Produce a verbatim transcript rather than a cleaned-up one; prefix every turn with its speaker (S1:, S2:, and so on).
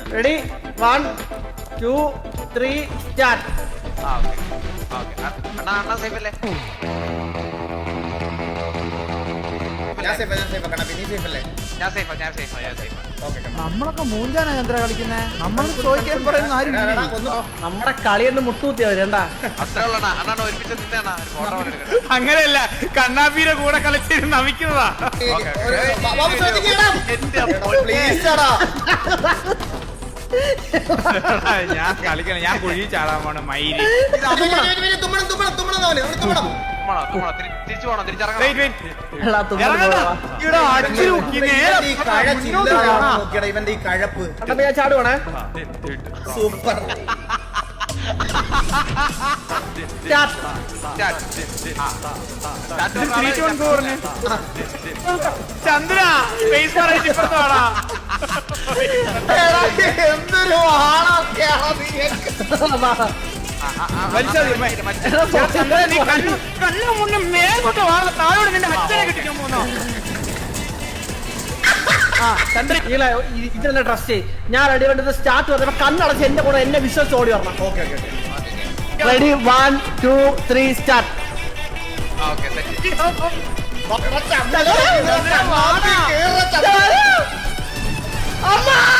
S1: Ready one two three start.
S2: അണ്ണാ അണ്ണാ safe അല്ലേ?
S3: ഞാൻ സേഫ് ഞാൻ സേഫ് കണ്ണാ നീ സേഫ് അല്ലേ?
S2: ഞാൻ സേഫാ ഞാൻ സേഫാ ഞാൻ സേഫാ.
S3: ഓക്കേ കണ്ണാ.
S4: നമ്മളൊക്കെ മൂഞ്ചാനാ ചന്ദ്ര കളിക്കുന്നേ. നമ്മൾ ചോദിക്കാൻ പറയുന്ന ആരും
S3: എടാ,
S4: ഇല്ലേ?
S3: കൊന്നു.
S1: നമ്മുടെ കളിയൊന്ന് മുട്ടുകുത്തിയാ രണ്ടാ.
S2: അത്രേ ഉള്ളണ്ണാ. അണ്ണാ ഒരുമിച്ച് നിന്നാ ഫോട്ടോ എടുക്കട്ടെ.
S5: അങ്ങനെയല്ല, കണ്ണാപ്പിയുടെ കൂടെ കളിച്ചിരുന്ന് നമിക്കുന്നതാ.
S3: ഒരു ബ- ബാബു ശ്രദ്ധിക്കണം.
S2: എന്റെ
S3: എടാ, please എടാ.
S5: ഞാൻ കളിക്കണം, ഞാൻ കുഴി ചാടാൻ പോണ മയില്.
S3: ഇത് അവൻ- വരി, വരി, തുമ്മണം തുമ്മണം തുമ്മണം അവന് അവന് തുമ്മണം.
S2: തുമ്മണോ, തുമ്മണോ, തിരി- തിരിച്ചു പോണോ തിരിച്ചിറങ്ങണം.
S5: Wait, wait.
S1: എടാ, തുമ്മുന്നു
S5: ഇറങ്ങണ്ട.
S1: പോവാ.
S5: ഇവിടെ അടിച്ചു നോക്കി നേരെ
S3: ഇവന്റെ ഈ കഴച്ചില്ല
S5: മുന്നോട്ട് പോകാം.
S3: നോക്കിയടാ ഇവന്റെ ഈ കഴപ്പ്.
S1: കണ്ണപ്പ ഞാൻ ചാടുവാണേ.
S3: സൂപ്പർ.
S1: സ്റ്റാർട്ട്.
S2: സ്റ്റാർട്ട്.
S5: ഇത് three to one go പറഞ്ഞേ. ചന്ദ്ര സ്പേസ് പറയിട്ട് ഇപ്പുറത്താടാ.
S3: എടാ, എന്തൊരു ആളൊക്കെയാണ് നീയൊക്കെ.
S5: വലിച്ചാ മതി.
S1: എടാ,
S5: ചന്ദ്ര, നീ കണ്ണു കണ്ണു മുന്നേ മേലോട്ട് വാ. താഴോട്ട് നിന്റെ അച്ഛനെ കിട്ടിക്കാൻ പോന്നോ?
S1: ആ ചന്ദ്ര ഇതിനെ ട്രസ്റ്റ് ചെയ്യ്. ഞാൻ റെഡി വേണ്ടത് സ്റ്റാർട്ട് പറഞ്ഞപ്പോ കണ്ണടച്ച് എന്റെ കൂടെ എന്നെ വിശ്വസിച്ച് ഓടി വരണം.
S3: Okay okay okay.
S1: Ready one two three start.
S2: Okay set.
S3: നോക്കടാ, ചന്ദ്ര, ചന്ദ്ര, മാറ്റി കേറ് ചന്ദ്ര.
S1: അമ്മ